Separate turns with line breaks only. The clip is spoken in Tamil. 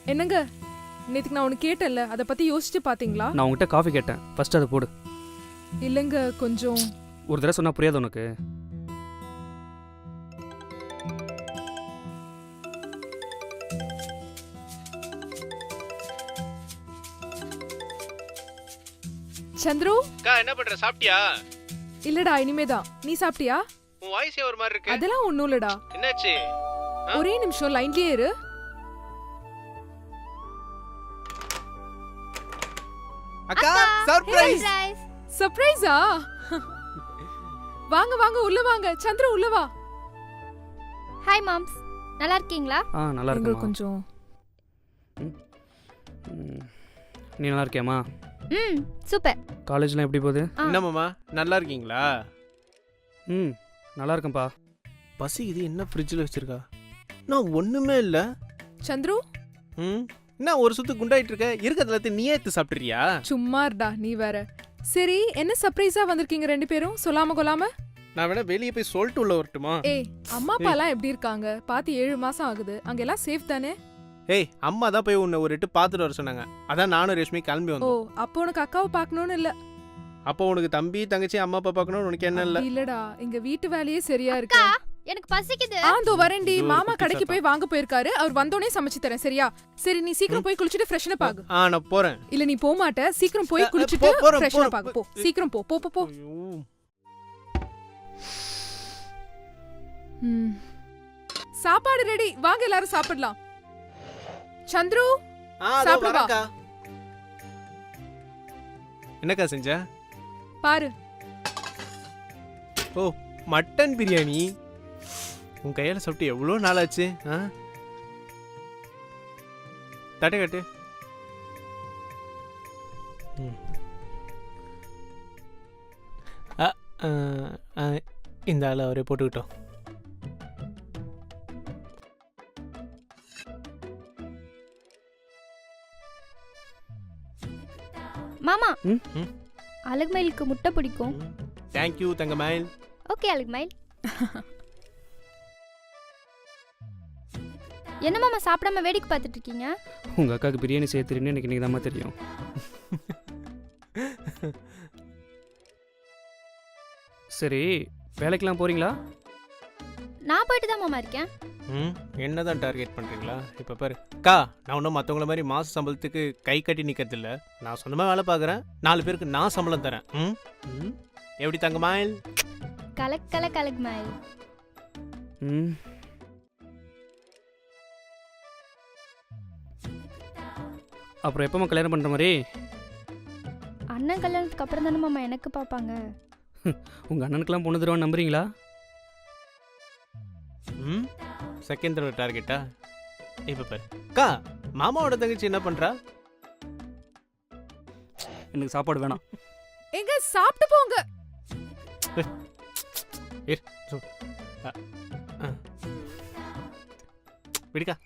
என்னங்க நேத்துக்கு நான் உனக்கு கேட்டேன்ல அதை பத்தி யோசிச்சு பாத்தீங்களா?
நான் உங்ககிட்ட காஃபி கேட்டேன், ஃபர்ஸ்ட் அதை போடு.
இல்லங்க கொஞ்சம்.
ஒரு தடவை சொன்னா புரியாது உனக்கு?
சந்துரு
அக்கா என்ன பண்ற? சாப்பிட்டியா?
இல்லடா இனிமேதான். நீ சாப்பிட்டியா?
உன் வாய்ஸ் ஒரு மாதிரி இருக்கு.
அதெல்லாம் ஒண்ணும் இல்லடா.
என்னாச்சு?
ஒரே நிமிஷம் லைன்லயே இரு.
அக்கா சர்ப்ரைஸ்.
சர்ப்ரைஸா? வாங்க வாங்க உள்ள வாங்க. சந்திர உள்ள வா.
ஹாய் மாம்ஸ், நல்லா இருக்கீங்களா?
நல்லா
எங்க
இருக்கேம்மா.
கொஞ்சம்.
நீ நல்லா இருக்கியாம்மா?
சூப்பர்.
காலேஜ்லாம் எப்படி போகுது?
என்ன மாமா நல்லா இருக்கீங்களா?
நல்லா இருக்கேன்ப்பா.
பசிக்குது. என்ன ஃப்ரிட்ஜில் வச்சிருக்கா? நான் ஒண்ணுமே இல்ல.
சந்துரு
என்ன ஒரு சுத்து குண்டாயிட்டு இருக்க? இருக்கிறதுல நீயே எடுத்து சாப்பிட்டுறியா?
சும்மா இருடா நீ வேற. சரி என்ன சர்ப்ரைஸா வந்திருக்கீங்க ரெண்டு பேரும் சொல்லாம கொள்ளாம?
நான் வேணா வெளியே போய் சொல்லிட்டு உள்ள வரட்டுமா?
ஏய் அம்மா அப்பா எல்லாம் எப்படி இருக்காங்க? பாத்து 7 மாசம் ஆகுது. அங்க எல்லாம் சேஃப் தானே?
ஏய் அம்மா தான் போய் உன்னை ஒரு எட்டு பார்த்துட்டு வர சொன்னாங்க. அதான் நானும் ரேஷ்மி கிளம்பி
ஓ
வந்தோம்.
அப்போ உனக்கு அக்காவை பார்க்கணும்னு இல்ல?
அப்போ உனக்கு தம்பி தங்கச்சி அம்மா அப்பா பார்க்கணும்னு உனக்கு என்ன இல்ல?
அப்படி இல்லடா எங்க வீட்டு வேலையே சரியா இருக்கு.
எனக்கு பசிக்குது.
ஆந்தோ வரேன்டி.
இதோ
மாமா
குட்டி
கடைக்கு
சாத்தா.
போய் வாங்க போயிருக்காரு. அவர் வந்தோனே சமைச்சு தரேன் சரியா? சரி நீ சீக்கிரம் போய் குளிச்சிட்டு ஃப்ரெஷ்னப் ஆகு.
நான் போறேன்.
இல்ல நீ போக மாட்ட. சீக்கிரம் போய் குளிச்சிட்டு
போறேன்,
ஃப்ரெஷ்னப்
போறேன்.
ஆகு. போ சீக்கிரம் போ போ போ போ.
ஐயோ.
சாப்பாடு ரெடி. வாங்க எல்லாரும் சாப்பிடலாம். சந்துரு
அதோ
சாப்பிடு வா.
வரேன்க்கா. என்னக்கா செஞ்ச?
பாரு.
ஓ மட்டன் பிரியாணி. உன் கையால சாப்பிட்டு எவ்வளோ நாள் ஆச்சு? தட்டை கட்டு. இந்த ஆளை அவரே போட்டுக்கிட்டோம்.
மாமா,
ம்?
அழகுமயிலுக்கு முட்டை பிடிக்கும்.
தேங்க்யூ தங்கமயில்.
ஓகே அழகுமயில். என்ன மாமா சாப்பிடாம வேடிக்கை பார்த்துட்டு இருக்கீங்க?
உங்கள் அக்காவுக்கு பிரியாணி செய்ய தெரியும்னு எனக்கு இன்னைக்கு தான் தெரியும். சரி வேலைக்கெல்லாம் போகிறீங்களா?
நான் போயிட்டு தான் மாமா இருக்கேன்.
என்னதான் டார்கெட் பண்ணுறீங்களா? இப்போ பாரு அக்கா, நான் ஒன்றும் மற்றவங்கள மாதிரி மாத சம்பளத்துக்கு கை கட்டி நிற்கிறது இல்லை. நான் சொந்தமாக வேலை பார்க்குறேன். 4 பேருக்கு நான் சம்பளம் தரேன். எப்படி தங்கமயில்?
கலக்கல கலகுமயில்.
ம் அப்புறம் எப்போம்மா கல்யாணம் பண்ணுற மாதிரி?
அண்ணன் கல்யாணத்துக்கு அப்புறம் தானே மாமா எனக்கு பார்ப்பாங்க.
உங்கள் அண்ணனுக்கெல்லாம் பொண்ணு தருவான்னு நம்புறீங்களா?
செகண்ட் தடவை டார்கெட்டா? இப்போ பாரு அக்கா, மாமாவோட தங்கச்சி என்ன பண்ணுறா?
எனக்கு சாப்பாடு வேணாம்.
எங்க சாப்பிட்டு போங்க.
விடுக்கா.